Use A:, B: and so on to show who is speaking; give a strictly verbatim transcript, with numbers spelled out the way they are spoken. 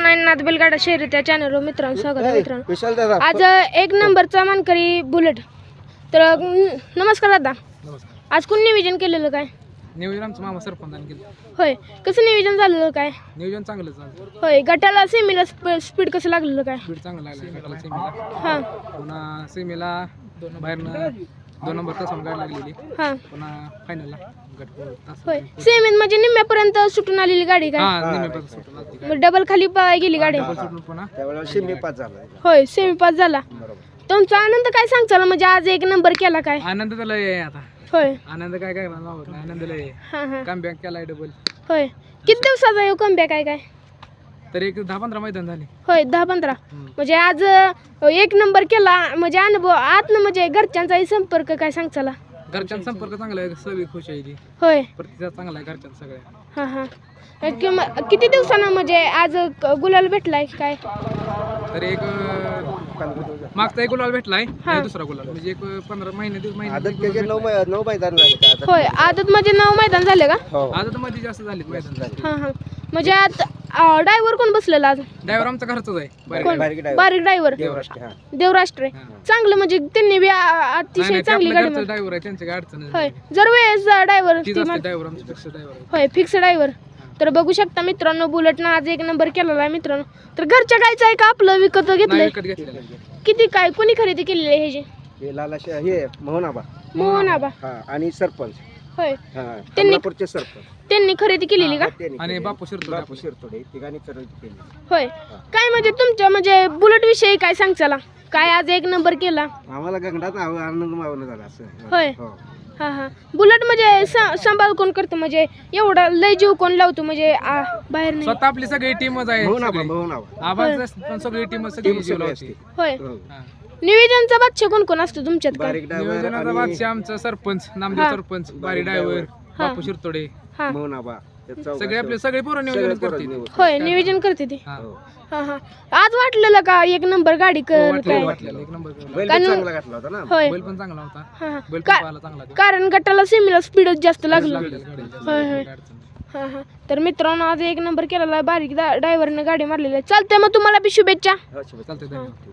A: Nine नाथ बैलगाडा शहरी त्या चॅनलवर मित्रांनो स्वागत आहे मित्रांनो. आज एक नंबरचा मानकरी बुलेट. तर न- नमस्कार दादा.
B: नमस्कार.
A: आज कोण नियोजन केलेलं काय?
B: नियोजन आमचं मामा सरपंचाने केलं.
A: होय, कसं नियोजन झालेलं काय?
B: नियोजन चांगलं झालं.
A: होय, गटाला सेमीला स्पीड कसं लागलेलं काय?
B: स्पीड चांगलं लागलं गटाला सेमीला.
A: हां
B: पुन्हा सेमीला दोन बाहेरनं दोन नंबर तासून गाडी लागलेली.
A: हां
B: पुन्हा फायनलला गट तास.
A: होय, सेमीत म्हणजे निम्म्यापर्यंत सुटून आलेली गाडी काय?
B: हा निम्म्यापर्यंत सुटून आलती गाडी.
A: मग डबल खाली पाय गेली गाडी.
B: डबल सुटून पुन्हा
C: त्यावेळेला सेमी पास झाला.
A: होय, सेमी पास झाला. तुमचा आनंद काय सांगचाल म्हणजे आज एक नंबर केला काय?
B: आनंद त्याला आहे आता.
A: होय
B: आनंद काय काय मावत नाही. आनंद लय
A: हां हां
B: काम बँक केलाय डबल.
A: होय, किती दिवसाचा येऊ कमबॅक काय काय?
B: तर एक दहा पंधरा मैदान झाले.
A: होय, दहा पंधरा.
B: हम्म.
A: म्हणजे आज अ, एक नंबर केला म्हणजे अनुभव आतनं म्हणजे घरच्यांचाही संपर्क काय सांगचाला?
B: घरच्यांचा संपर्क चांगला आहे. सगळी खुश आहे ती.
A: होय
B: प्रतिसाद चांगला आहे घरच्यांचा सगळ्या.
A: हां हां अ, किंवा किती दिवसानं म्हणजे आज क- गुलाल भेटलाय काय?
B: तर एक अं, मागचा एक गुलाल भेटलाय
A: हा.
B: आणि दुसरा गुलाल म्हणजे एक पंधरा महिने दिवस
C: आदत
B: महिने
C: त्याचे नऊ मै- नऊ मैदान झाले का आता?
A: होय, आदत म्हणजे नऊ मैदान झाले का?
C: हो.
B: आदत मध्ये जास्त झाले मैदान.
A: हां हां म्हणजे आज ड्रायव्हर कोण बसलेला आज?
B: ड्रायव्हर आमचा घरचाच आहे. बाहेर
A: कोण?
C: बारीक driver.
A: बारीक ड्रायव्हर
C: देवराष्ट्र, हा.
A: देवराष्ट्र आहे.
B: हा.
A: चांगलं म्हणजे त्यांनी बी आ- अतिशय चांगली गाडी मार-
B: ड्रायव्हर आहे त्यांच्या काय अडचण
A: होय, जर वेळेस ड्रायव्हर
B: तीच असते ड्रायव्हर आमचा फिक्स ड्रायव्हर आहे.
A: होय फिक्स ड्रायव्हर. तर बघू शकता मित्रांनो, बुलेटनं आज एक नंबर केलेला आहे मित्रांनो. तर घरच्या गायचं आहे का आपलं विकत
B: नाही
A: घेतलंय?
B: विकत घेतलेला आहे.
A: किती काय कोणी खरेदी केलेली आहे ह्याची?
C: हे लालाशा हे मोहनाबा,
A: मोहन आबा.
C: हा, आणि सरपंच,
A: होय,
C: हा,
A: त्यांनी-
C: कमलापूरचे सरपंच,
A: त्यांनी खरेदी केलेली का?
C: हा, त्यांनी
B: आणि
C: केली.
B: बापू शिरतो
C: बापू शिरतोडे तिघांनी खरेदी केली.
A: होय, काय म्हणजे तुमच्या म्हणजे बुलेट विषयी काय सांगचाला? काय आज एक नंबर केला?
C: आम्हाला गंगडात आव- आनंद मावना झाला असं.
A: होय.
C: हो.
A: हा हा बुलेट म्हणजे स- सांभाळ कोण करतो म्हणजे एवढा लय जीव कोण लावतो म्हणजे आ, बाहेर नाही?
B: स्वतः आपली सगळी टीमच आहे.
C: मोहनाबा,
B: सगळी.
C: मोहनाबा.
B: आवाज पण सगळी टीम सगळी
C: टीम
B: जीव
C: सगळी
B: लावते.
C: असते.
A: होय,
C: हो.
B: हा.
A: नियोजनचा बादशाह कोण कोण असतो तुमच्यात काय?
C: बारीक driver
B: नियोजनाचा
C: आणि
B: बादशाह आमचा सरपंच नामदेव
A: हा.
B: सरपंच बारी ड्रायव्हर
A: हा.
B: बापू शिरतोडे
A: हा
C: मोहनाबा, हे चौघं
B: सगळे आपले
C: असं.
B: सगळे पोरं
C: सगळे
B: नियोजन
C: पोरं
B: करते.
C: निवड.
A: होय, नियोजन करते ती.
B: हा.
C: हो.
A: हा हा आज वाटलेलं का एक नंबर गाडी कर
B: हो, वाटलेलं
A: काय?
B: वाटलेलं एक नंबर केला.
C: बैल
A: कारण-
C: पण चांगला घातला होता ना.
A: होय
B: बैल पण चांगला होता.
A: हा हा
B: बैल पण
A: का-
B: पाहायला चांगला होता.
A: कारण गटाला सेमीला स्पीडच जास्त लागलं.
B: लागलेलं गाडीला जास्त
A: होय, होय.
B: काय अडचण नाही.
A: हा हा तर मित्रांनो आज एक नंबर केलेला आहे. बारीक ड्रायव्हरने गाडी मारलेली आहे. चालतंय मग तुम्हाला बी शुभेच्छा.
C: हो, शुभेच्छा.
B: चालतंय धन्यवाद.